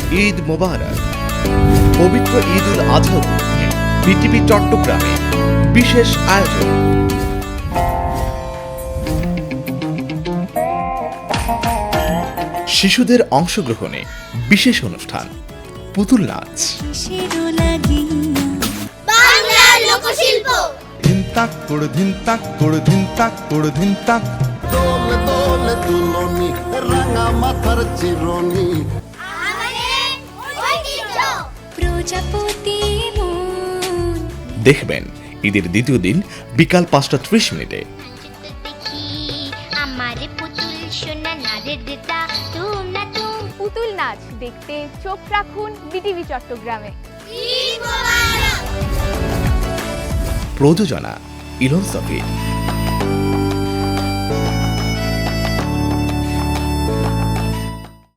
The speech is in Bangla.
ঈদ মোবারক। পবিত্র ঈদ উল আজহা উপলক্ষে বিটিভি চট্টগ্রামে বিশেষ আয়োজন। শিশুদের অংশগ্রহণে বিশেষ অনুষ্ঠান, পুতুল নাচ, বাংলার লোকশিল্প, ধিন তাক করে ধিন তাক করে ধিন তাক করে ধিন তাক, দোল দোল দুলনি রাঙা মাথার চিরনি, আমাদের ঐতিহ্য। প্রজাপতি মন দেখবেন ঈদের দ্বিতীয় দিন বিকাল 5:30 মিনিটে। দেখি আমার পুতুল সোনা নারের দেতা তুম না তুম। পুতুল নাচ দেখতে চোখ রাখুন বিটিভি চট্টগ্রামে। ঈদ মোবারক। প্রযোজনা ইলন সফি।